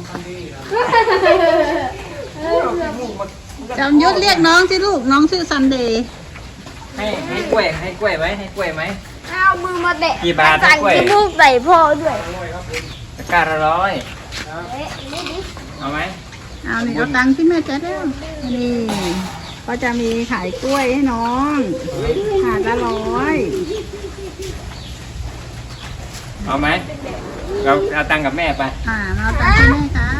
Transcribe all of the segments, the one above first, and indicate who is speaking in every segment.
Speaker 1: จำยุทธเรียกน้องสิลูกน้องชื่อซันเดย์
Speaker 2: ให้กล้วยไหมให้กล้วยไหม
Speaker 3: เอามือมาเตะ
Speaker 2: กี่บาทให้กล้วย
Speaker 3: สั่งลูกใส่พ่อด้วย
Speaker 2: ตะกร้าละ100เอาไหม
Speaker 1: เอานี่เอาตังค์ที่แม่จะได้นี่ก็จะมีขายกล้วยให้น้องถาดละ100
Speaker 2: เอาไหมเราเอาตังค์กับแม่ไป
Speaker 1: มาเอาตังค์ที่แม่ครับ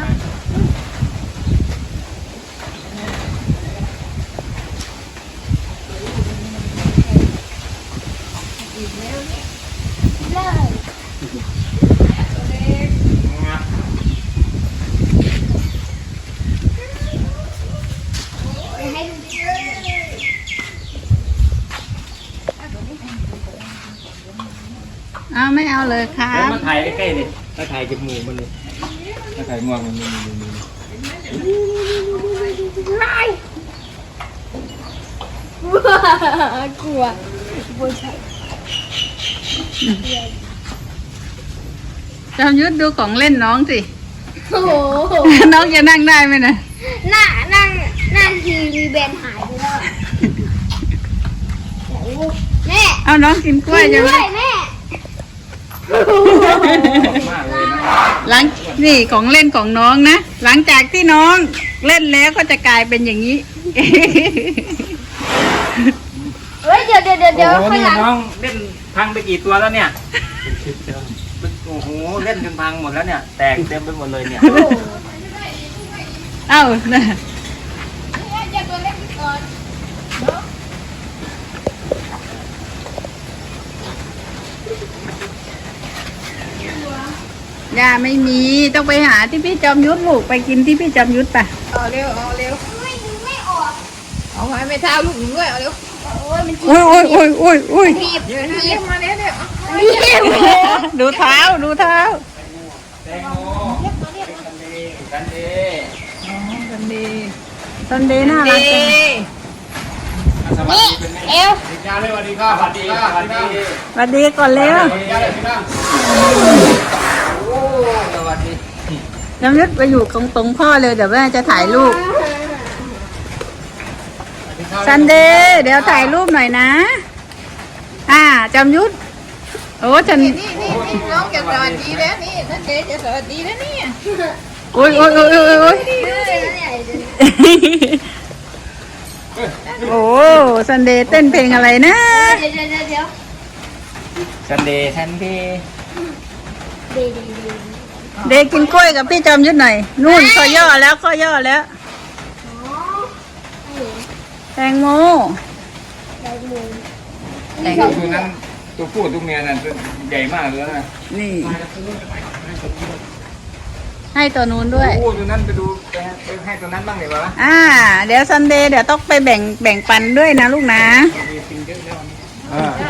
Speaker 1: เอาไม่เอาเลยครั
Speaker 2: แล้ว
Speaker 1: บ
Speaker 2: มาถ่ายใกล้ๆดิมาถ่ายกับหมูมันเลยมาถ่ายงวงมัน
Speaker 3: กลัวบัวใช่
Speaker 1: จำยุทธดูของเล่นน้องสิ
Speaker 3: โอ้โห
Speaker 1: น้องจะนั่งได้ไหมนะ
Speaker 3: นั่งทีวีแบนหายไปแล้วแม่
Speaker 1: เอาน้องกินกล้วยจะไหม
Speaker 3: แม่
Speaker 2: มากเลยนะ
Speaker 1: หลังนี่ของเล่นของน้องนะหลังจากที่น้องเล่นแล้วก็จะกลายเป็นอย่างนี้
Speaker 3: เฮ้ยเดี๋ยว
Speaker 2: โอ้โห
Speaker 3: ข้าง
Speaker 2: นี่
Speaker 3: หลัง
Speaker 2: น้องเล่นพังไปกี่ตัวแล้วเนี่ยโอ้โหเล่นจนพังหมดแล้วเนี่ยแตกเต็มไปหมดเลยเนี่ย
Speaker 1: เอ้านะ ย่าไม่มีต้องไปหาที่พี่จอมยุทธลูกไปกินที่พี่จอมยุทธป่ะ
Speaker 4: เอาเร็ว
Speaker 3: ไม่ออก
Speaker 4: เอาไว้ไม่เท้าลูกหนูด้วยเอาเร็ว
Speaker 3: โอ้ยมัน
Speaker 1: อุ้ยอุ้ยอุ้ยอุ้ยอุ้ย
Speaker 3: ถีบ
Speaker 4: เร็วมาเร็วเร็ว
Speaker 3: ถีบ
Speaker 1: ดูเท้าดูเท้า
Speaker 2: แตงโมกันดี
Speaker 4: กันดี
Speaker 1: ซันเดย์น่ารักจัง
Speaker 2: สวัส
Speaker 3: นี่
Speaker 2: ดีเป็นไง
Speaker 3: เอว
Speaker 2: สวัสดีครับสวัสดีสวัสดี
Speaker 1: สวัสดีก่อนเร็ว
Speaker 2: โอ้สวัสดี
Speaker 1: จอมยุทธไปอยู่ตรงพ่อเลยเดี๋ยวแม่จะถ่ายรูปซันเดย์เดี๋ยวถ่ายรูปหน่อยนะจอมยุทธโอ้ฉัน
Speaker 4: นี่น้องจะสวัสดีแล้วนี่นั่นเจ๊จะสวัสดีแล้วนี่
Speaker 1: อุ้ยอุ้ยอุ้ยอุ้ยอุ้ย
Speaker 3: ดื้อนะเนี่ย
Speaker 1: โอ้ซันเดย์เต้นเพลงอะไรนะ
Speaker 3: เดี๋ยว
Speaker 2: ซันเดย์ซันเดย์
Speaker 3: ดี
Speaker 1: เดย์กินกล้วยกับพี่จอมยุทธหน่อยนู่นข้อย่อแล้วข้อย่อแล้ว
Speaker 3: อ๋อ
Speaker 1: แตงโม
Speaker 3: ได้หมู
Speaker 2: ตัวนั้นตัวผู้ตัวเมียนั่นใหญ่มากเลยนะ
Speaker 1: นี่ให้ตัวนู้นด้วย
Speaker 2: โอ้ตัวนั้นไปดูไปให้ตัวนั้นบ้างเลยวะ
Speaker 1: เดี๋ยวซันเดย์เดี๋ยวต้องไปแบ่งปันด้วยนะลูกนะ
Speaker 2: มีปิงเยอะแล้ว